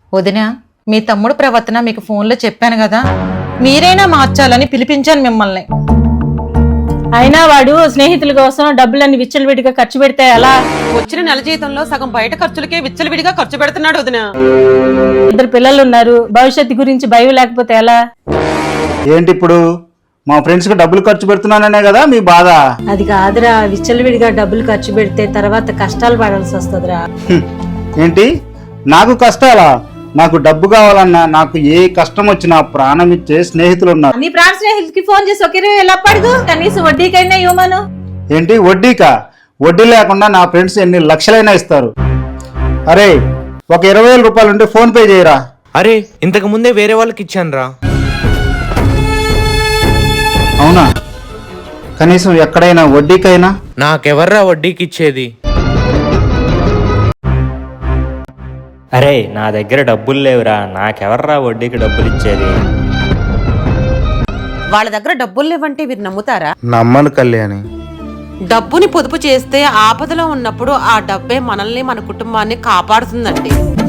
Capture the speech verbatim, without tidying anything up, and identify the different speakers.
Speaker 1: వదినా, మీ తమ్ముడు ప్రవర్తన మీకు ఫోన్లో చెప్పాను కదా, మీరైనా మార్చాలని పిలిపించాను మిమ్మల్ని.
Speaker 2: అయినా వాడు స్నేహితుల కోసం డబ్బులన్నీ విచ్చలవిడిగా ఖర్చు పెడితే ఎలా?
Speaker 3: వచ్చిన నెల జీతంలో సగం బయట ఖర్చులకే విచ్చలవిడిగా ఖర్చు పెడుతున్నాడు వదినా.
Speaker 2: ఇద్దరు పిల్లలు ఉన్నారు, భవిష్యత్తు గురించి భయం లేకపోతే ఎలా?
Speaker 4: ఏంటి ఇప్పుడు మా ఫ్రెండ్స్ కి డబ్బులు ఖర్చు పెడుతున్నాననే కదా మీ బాధ?
Speaker 2: అది కాదురా, విచ్చలవిడిగా డబ్బులు ఖర్చు పెడితే తర్వాత కష్టాలు పడాల్సి వస్తుందిరా.
Speaker 4: హ్మ్. ఏంటి నాకు కష్టాలా? నాకు డబ్బు కావాలన్నా, నాకు ఏ కష్టం వచ్చినా ప్రాణం ఇచ్చే స్నేహితులు ఉన్నారు.
Speaker 2: నీ ప్రాణ స్నేహితుడికి ఫోన్ చేసి ఒక ఇరవై వేలు అప్పడుగు, కనీసం వడ్డీకైనా ఇవ్వమను.
Speaker 4: ఏంటి వడ్డీకా? వడ్డీ లేకుండా నా ఫ్రెండ్స్ ఎన్ని లక్షలైనా ఇస్తారు. అరే, ఒక ఇరవై వేల రూపాయలు ఉంటే ఫోన్ పే చేయరా.
Speaker 5: అరే, ఇంతకు ముందే వేరే వాళ్ళకి ఇచ్చాను రా.
Speaker 4: అవునా? కనీసం ఎక్కడైనా వడ్డీకైనా?
Speaker 5: నాకెవర్రా వడ్డీకి ఇచ్చేది?
Speaker 6: అరే, నా దగ్గర డబ్బులు లేవురా, నాకెవర్రా వడ్డీకి డబ్బులు ఇచ్చేది?
Speaker 3: వాళ్ళ దగ్గర డబ్బులు లేవంటే మీరు నమ్ముతారా?
Speaker 4: నమ్మను కళ్యాణి.
Speaker 3: డబ్బుని పొదుపు చేస్తే ఆపదలో ఉన్నప్పుడు ఆ డబ్బే మనల్ని మన కుటుంబాన్ని కాపాడుతుందండి.